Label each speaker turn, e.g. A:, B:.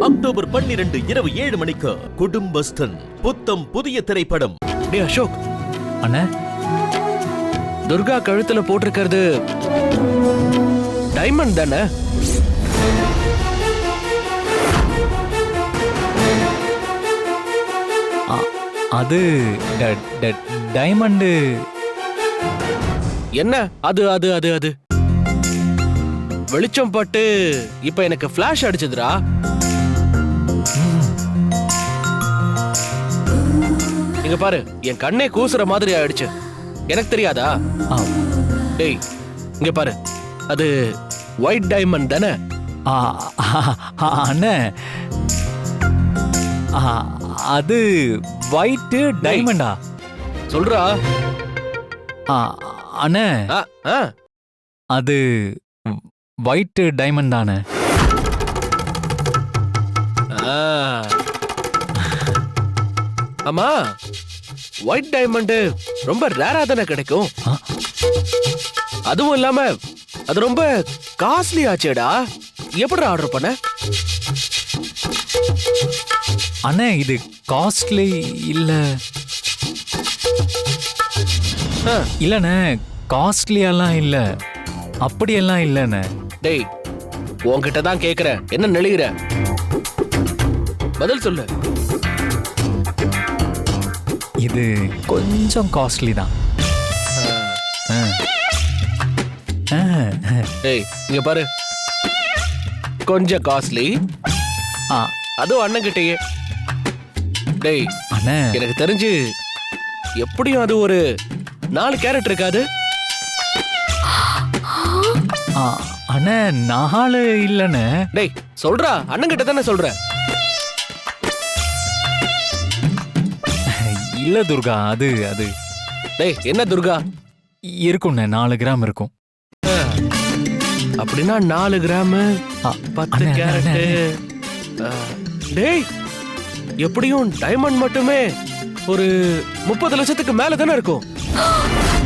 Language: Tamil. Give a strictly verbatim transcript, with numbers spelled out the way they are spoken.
A: அக்டோபர் பன்னிரண்டு இரவு ஏழு மணிக்கு குடும்பஸ்தன் புத்தம் புதிய திரைப்படம்.
B: டே அசோக் அண்ணா, துர்கா கழுத்துல போட்டிருக்கிறது டைமண்ட் தானே?
C: அது டைமண்டு.
B: என்ன அது அது அது அது வெளிச்சம் பட்டு இப்ப எனக்கு பிளாஷ் அடிச்சதுடா. இங்க பாரு, என் கண்ணே கூசுற மாதிரி ஆயிடுச்சு. எனக்கு தெரியாதா? டேய் இங்க பாரு, அது ஒயிட் டைமண்ட் தானே?
C: அண்ணே, அது ஒயிட் டைமண்டா?
B: சொல்றா
C: அண்ணே, அது ஒயிட் டைமண்ட் தானே?
B: ஆமா, ஒயிட் டைமண்ட் ரொம்ப ரேரா தானே கிடைக்கும். அதுவும் இல்லாம அது ரொம்ப காஸ்ட்லி ஆச்சேடா. எப்படி ஆர்டர் பண்ண?
C: அண்ணே, இது காஸ்ட்லி இல்ல. இல்லண்ணே, காஸ்ட்லியெல்லாம் இல்ல, அப்படியெல்லாம் இல்லண்ணே.
B: டேய், உன்கிட்ட தான் கேக்குறேன், என்ன நெளிகிற? பதில் சொல்லு.
C: இது கொஞ்சம் காஸ்ட்லி தான்.
B: டேய் இங்க பாரு, கொஞ்சம் காஸ்ட்லி, அதுவும் அண்ணன் கிட்டயே. டேய்
C: அண்ணே,
B: எனக்கு தெரிஞ்சு எப்படியும் அது ஒரு நாலு கேரட் இருக்காது.
C: அண்ணே, நாலு இல்லண்ணே.
B: டேய் சொல்றா, அண்ணன் கிட்ட தானே சொல்ற.
C: இல்ல துர்கா, அது அது
B: டேய் என்ன துர்கா?
C: இருக்கும்ண்ணே, நாலு கிராம் இருக்கும்.
B: அப்படின்னா நாலு கிராம் பத்து கேரட். டேய் எப்படியும் டைமண்ட் மட்டுமே ஒரு முப்பது லட்சத்துக்கு மேல தானே இருக்கும்.